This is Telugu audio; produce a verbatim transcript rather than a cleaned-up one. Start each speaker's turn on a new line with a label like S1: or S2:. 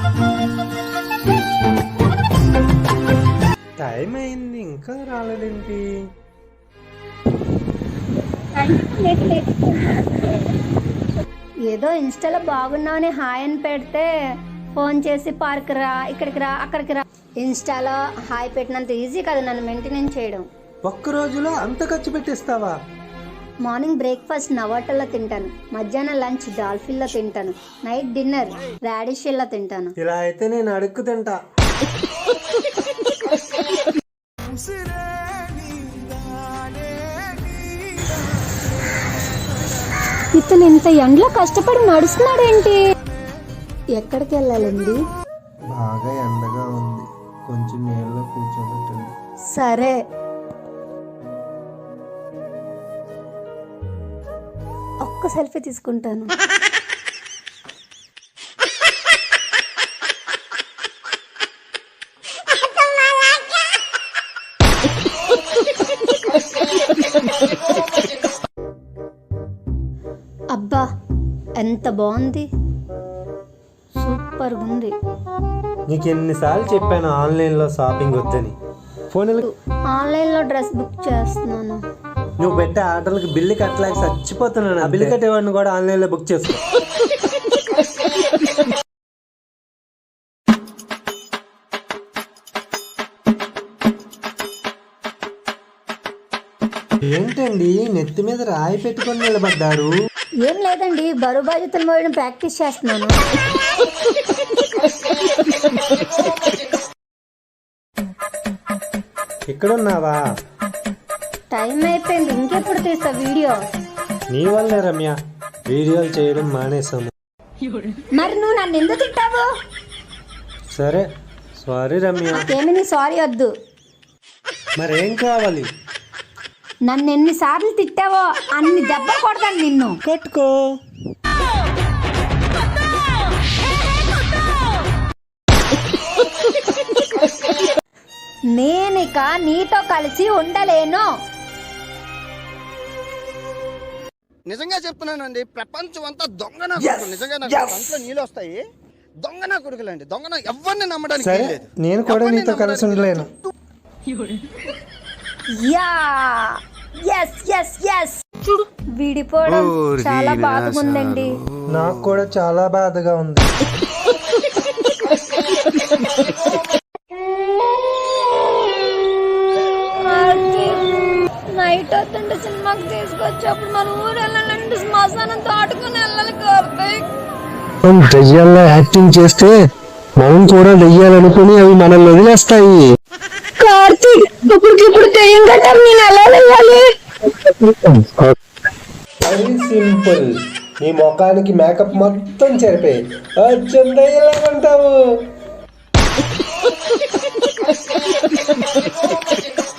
S1: టైం అయింది ఇంకా రాలేదేంటి?
S2: ఏదో ఇన్స్టాలో బాగున్నావని హాయ్ అని పెడితే ఫోన్ చేసి పార్క్ రా, ఇక్కడికి రా, అక్కడికి రా. ఇన్స్టాలో హాయ్ పెట్టినంత ఈజీ కాదు నన్ను మెయింటైన్ చేయడం.
S1: ఒక్క రోజులో అంత ఖర్చు పెట్టేస్తావా?
S2: మార్నింగ్ బ్రేక్ఫాస్ట్ నవాటల్లో తింటాను, మధ్యాహ్నం లంచ్ డాల్ఫిన్లో తింటాను, నైట్ డిన్నర్ రాడిషిల్లో తింటాను.
S1: ఇలా అయితే నేను అడుక్కు తింటా.
S2: ఇతను ఇంత ఎండలో కష్టపడి నడుస్తున్నాడేంటి? ఎక్కడికి వెళ్ళాలండి?
S1: బాగా ఎండగా ఉంది, కొంచెం నీళ్ళలో కూర్చోబెట్టండి.
S2: సరే. ఒక్క సెల్ఫీ తీసుకుంటాను. అబ్బా ఎంత బాగుంది, సూపర్ ఉంది.
S1: నీకు ఎన్నిసార్లు చెప్పాను ఆన్లైన్లో షాపింగ్ వద్దని? ఫోన్
S2: ఆన్లైన్లో డ్రెస్ బుక్ చేస్తున్నాను.
S1: నువ్వు పెట్టే ఆర్డర్లకు బిల్లు కట్టలేక చచ్చిపోతున్నాను. ఆ బిల్లు కట్టేవాడిని కూడా ఆన్లైన్లో బుక్ చేసుకో. ఏంటండి నెత్తి మీద రాయి పెట్టుకొని నిలబడ్డారు?
S2: ఏం లేదండి, బరువు బాధ్యతలు మోయడం ప్రాక్టీస్ చేస్తున్నాను.
S1: ఇక్కడున్నావా?
S2: టైం అయిపోయింది, ఇంకెప్పుడు తీస్తా వీడియో?
S1: నీ వల్లే రమ్య వీడియోలు చేయడం మానేసాము.
S2: మరి నువ్వు నన్ను ఎందుకు తిట్టావు?
S1: సరే సారీ రమ్య.
S2: ఏమి నీ సారీ వద్దు.
S1: మరేం కావాలి?
S2: నన్ను ఎన్నిసార్లు తిట్టావో అన్ని దెబ్బలు కొడతాను నిన్ను.
S1: పెట్టుకో.
S2: నేనిక నీతో కలిసి ఉండలేను.
S3: నిజంగా చెప్తున్నానండి, ప్రపంచం అంతా దొంగ నా కొడుకులు. నిజంగా నాకు కంట్లో నీళ్ళు వస్తాయి. దొంగ నా కొడుకులండి, దొంగ నా ఎవరిని నమ్మడానికి
S1: సరే
S3: లేదు.
S1: నేను కూడా నీతో కలిసి ఉండలేను.
S2: యా ఎస్ ఎస్ ఎస్ విడిపోవడం చాలా బాధగా ఉందండి.
S1: నాకు కూడా చాలా బాధగా ఉంది.
S2: నైట్ వస్తుంటే సినిమాకి తీసుకొచ్చేప్పుడు మన ఊరు వెళ్ళాలంటే శ్మశానంతో ఆడుకుని వెళ్ళాలి. కార్తీక్
S1: దెయ్యాల్లో యాక్టింగ్ చేస్తే మనం కూడా దెయ్యాలనుకుని అవి మనల్ని వదిలేస్తాయి.
S2: కార్తీక్ ఇప్పటికిప్పుడు దెయ్యం కట్టారు, నేను ఎలా వెళ్ళాలి?
S1: అది సింపుల్. నీ ముఖానికి మేకప్ మొత్తం చెరిపే అచ్చం దెయ్యంలాగా ఉంటావు.